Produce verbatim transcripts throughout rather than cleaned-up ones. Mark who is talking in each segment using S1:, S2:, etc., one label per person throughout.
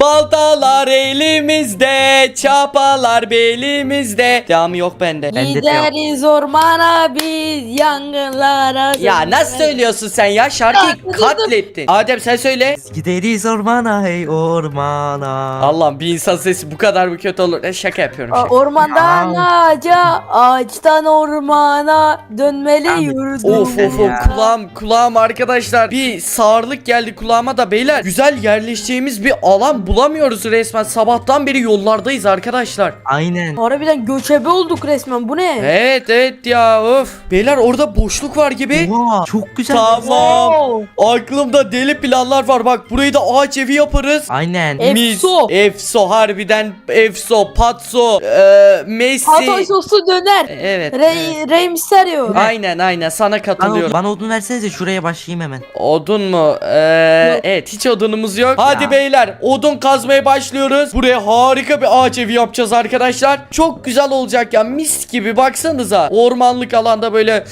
S1: Baltalar elimizde, çapalar belimizde. Devamı yok bende.
S2: Bende de yok.
S3: Gideriz ormana biz yangınlara.
S1: Ya nasıl söylüyorsun sen ya? Şarkıyı katlettin. Adem sen söyle.
S2: Gideriz ormana hey ormana.
S1: Allah'ım bir insan sesi bu kadar mı kötü olur? E, şaka yapıyorum.
S3: Aa,
S1: Şaka.
S3: Ormandan ağaca, ağaçtan ormana dönmeli
S2: Abi,
S3: yurdum.
S1: Of of of
S2: Ya.
S1: kulağım kulağım arkadaşlar, bir sağırlık geldi kulağıma da beyler. Güzel yerleşeceğimiz bir alan bulamıyoruz resmen. Sabahtan beri yollardayız arkadaşlar.
S2: Aynen.
S3: Harbiden göçebe olduk resmen, bu ne?
S1: Evet evet ya of. Beyler orada boşluk var gibi.
S2: Oha, çok güzel.
S1: Tamam. Aklımda deli planlar var. Bak burayı da ağaç evi yaparız.
S2: Aynen.
S3: E- Efso.
S1: Mis, Efso harbiden Efso, Patso, eee Messi.
S3: Hatay soslu döner.
S1: Evet. evet.
S3: Rey, Rey Mysterio.
S1: Aynen aynen sana
S2: Bana,
S1: katılıyorum.
S2: bana odun versenize şuraya başlayayım hemen.
S1: Odun mu? Ee, evet hiç odunumuz yok. Hadi
S2: Ya.
S1: beyler odun kazmaya başlıyoruz. Buraya harika bir ağaç evi yapacağız arkadaşlar. Çok güzel olacak ya, mis gibi baksanıza. Ormanlık alanda böyle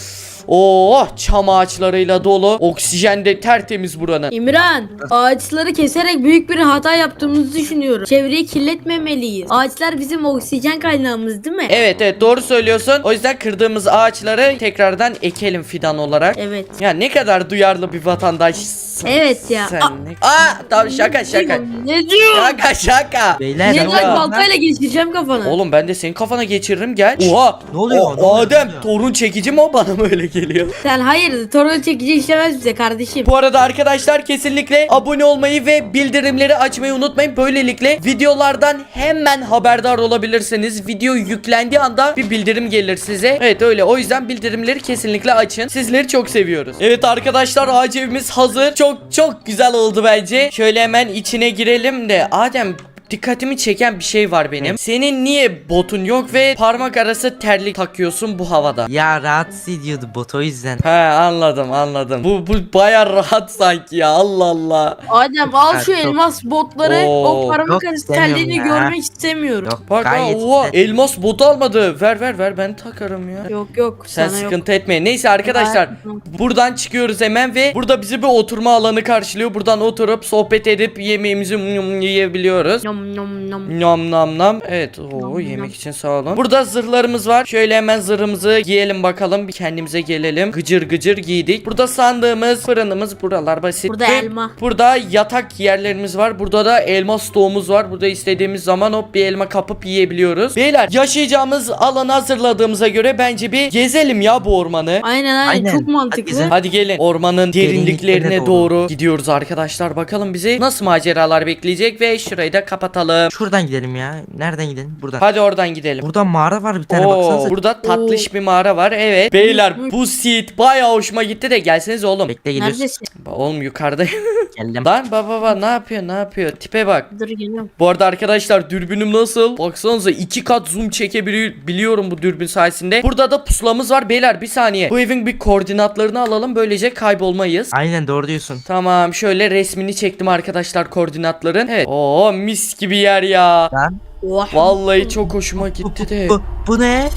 S1: oh çam ağaçlarıyla dolu. Oksijen de tertemiz buranın.
S4: İmran, ağaçları keserek büyük bir hata yaptığımızı düşünüyorum. Çevreyi kirletmemeliyiz. Ağaçlar bizim oksijen kaynağımız değil mi?
S1: Evet evet doğru söylüyorsun. O yüzden kırdığımız ağaçları tekrardan ekelim fidan olarak.
S4: Evet.
S1: Ya ne kadar duyarlı bir vatandaşsın.
S4: Evet ya.
S1: Sen
S4: Aa,
S1: ne... Aa tamam şaka şaka.
S4: Ne diyor?
S1: Şaka şaka.
S2: Beyler.
S4: Ne
S1: Şaka.
S4: diyor? Baltayla geçireceğim kafana.
S1: Oğlum ben de senin kafana geçiririm gel. Oha.
S2: Ne oluyor?
S1: O-
S2: Ne oluyor?
S1: Adem
S2: Ne oluyor?
S1: torun çekici mi o, bana mı öyle geliyor?
S4: Sen hayır, torun çekici işlemez bize kardeşim.
S1: Bu arada arkadaşlar kesinlikle abone olmayı ve bildirimleri açmayı unutmayın. Böylelikle videolardan hemen haberdar olabilirsiniz. Video yüklendiği anda bir bildirim gelir size. Evet öyle, o yüzden bildirimleri kesinlikle açın. Sizleri çok seviyoruz. Evet arkadaşlar ağaç evimiz hazır. Çok çok güzel oldu bence. Şöyle hemen içine girelim de Adem, dikkatimi çeken bir şey var benim. Senin niye botun yok ve parmak arası terlik takıyorsun bu havada?
S2: Ya rahatsız ediyordu bot, o yüzden.
S1: He anladım anladım. Bu bu baya rahat sanki ya, Allah Allah.
S4: Adem al
S2: Ha,
S4: şu
S2: çok-
S4: elmas botları.
S1: Oo,
S4: O parmak
S2: yok,
S4: arası
S2: istemiyorum
S4: telliğini
S2: ya.
S4: görmek istemiyorum.
S2: Yok
S1: Bak ha,
S2: gayet
S1: oha,
S2: güzel.
S1: elmas botu almadı. Ver ver ver, ben takarım ya.
S4: Yok yok,
S1: Sen
S4: sana yok.
S1: sıkıntı etme. Neyse arkadaşlar, buradan çıkıyoruz hemen ve burada bizi bir oturma alanı karşılıyor. Buradan oturup sohbet edip yemeğimizi mm, yiyebiliyoruz.
S4: Nom nom nom.
S1: Nam nam nam. Evet. Oo,
S4: Nam
S1: yemek
S4: nam.
S1: için sağ olun. Burada zırhlarımız var. Şöyle hemen zırhımızı giyelim bakalım. Bir kendimize gelelim. Gıcır gıcır giydik. Burada sandığımız, fırınımız, buralar basit.
S4: Burada
S1: Ve
S4: elma.
S1: Burada yatak yerlerimiz var. Burada da elma stoğumuz var. Burada istediğimiz zaman hop bir elma kapıp yiyebiliyoruz. Beyler yaşayacağımız alanı hazırladığımıza göre bence bir gezelim ya bu ormanı.
S4: Aynen aynen,
S2: Aynen.
S4: çok
S2: Hadi
S4: mantıklı.
S2: güzel.
S1: Hadi gelin. Ormanın derinliklerine
S2: Derinliklerine
S1: doğru.
S2: doğru.
S1: gidiyoruz arkadaşlar. Bakalım bizi nasıl maceralar bekleyecek ve şurayı da kapatalım.
S2: Şuradan gidelim ya. Nereden gidelim? Buradan.
S1: Hadi oradan gidelim.
S2: Burada mağara var bir tane,
S1: Oo,
S2: baksanıza.
S1: burada tatlış bir mağara var. Evet. Beyler bu seat bayağı hoşuma gitti de gelseniz oğlum.
S2: Bekle, geliyoruz.
S4: Neredesin?
S1: Ba- Oğlum yukarıda.
S2: Geldim.
S1: Lan baba baba ne yapıyor ne yapıyor? Tipe bak.
S4: Dur geliyorum.
S1: Bu arada arkadaşlar dürbünüm nasıl? Baksanıza iki kat zoom çekebiliyorum bu dürbün sayesinde. Burada da pusulamız var beyler, bir saniye. Bu evin bir koordinatlarını alalım, böylece kaybolmayız.
S2: Aynen, doğru diyorsun.
S1: Tamam şöyle resmini çektim arkadaşlar koordinatların. Evet. Oo mis gibi yer ya.
S2: Lan.
S4: Oh.
S1: Vallahi çok hoşuma gitti de.
S2: Bu, bu ne?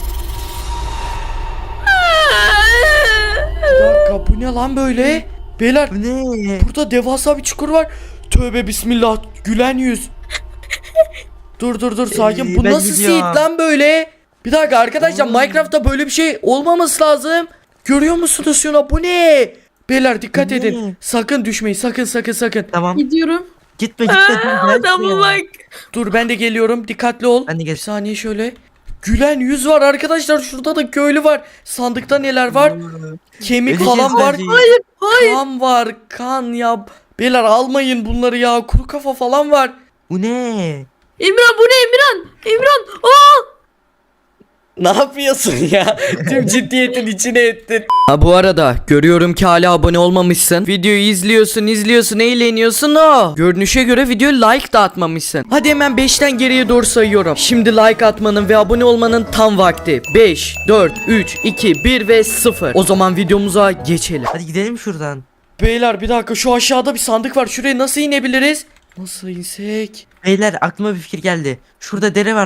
S1: Bir dakika bu ne lan böyle? Beyler
S2: Bu ne?
S1: burada devasa bir çukur var. Tövbe bismillah, gülen yüz. Dur dur dur sakin.
S2: Ee,
S1: Bu
S2: ben
S1: nasıl
S2: gidiyorum.
S1: seed lan böyle? Bir dakika arkadaşlar, Minecraft'ta böyle bir şey olmaması lazım. Görüyor musunuz şuna, bu ne? Beyler dikkat
S2: Bu
S1: edin.
S2: ne?
S1: Sakın düşmeyin, sakın sakın sakın.
S2: Tamam.
S4: Gidiyorum.
S2: Gitme gitme. dur, gelme
S4: Adama
S2: ya.
S4: bak.
S1: Dur ben de geliyorum, dikkatli ol.
S2: Ben de
S1: Bir
S2: gel.
S1: saniye şöyle. Gülen yüz var arkadaşlar, şurada da köylü var. Sandıkta neler var? Kemik
S2: Öleceğiz
S1: falan var.
S2: bence.
S4: Hayır.
S1: Kan var, kan ya. Beyler almayın bunları ya. Kuru kafa falan var.
S2: Bu ne?
S4: İmran, bu ne İmran? İmran. Aa!
S1: Ne yapıyorsun ya? Tüm ciddiyetin içine ettin. Ha bu arada görüyorum ki hala abone olmamışsın. Videoyu izliyorsun, izliyorsun, eğleniyorsun o. Görünüşe göre videoya like da atmamışsın. Hadi hemen beşten geriye doğru sayıyorum. Şimdi like atmanın ve abone olmanın tam vakti. beş, dört, üç, iki, bir ve sıfır. O zaman videomuza geçelim.
S2: Hadi gidelim şuradan.
S1: Beyler bir dakika, şu aşağıda bir sandık var. Şuraya nasıl inebiliriz? Nasıl insek?
S2: Beyler aklıma bir fikir geldi. Şurada dere var.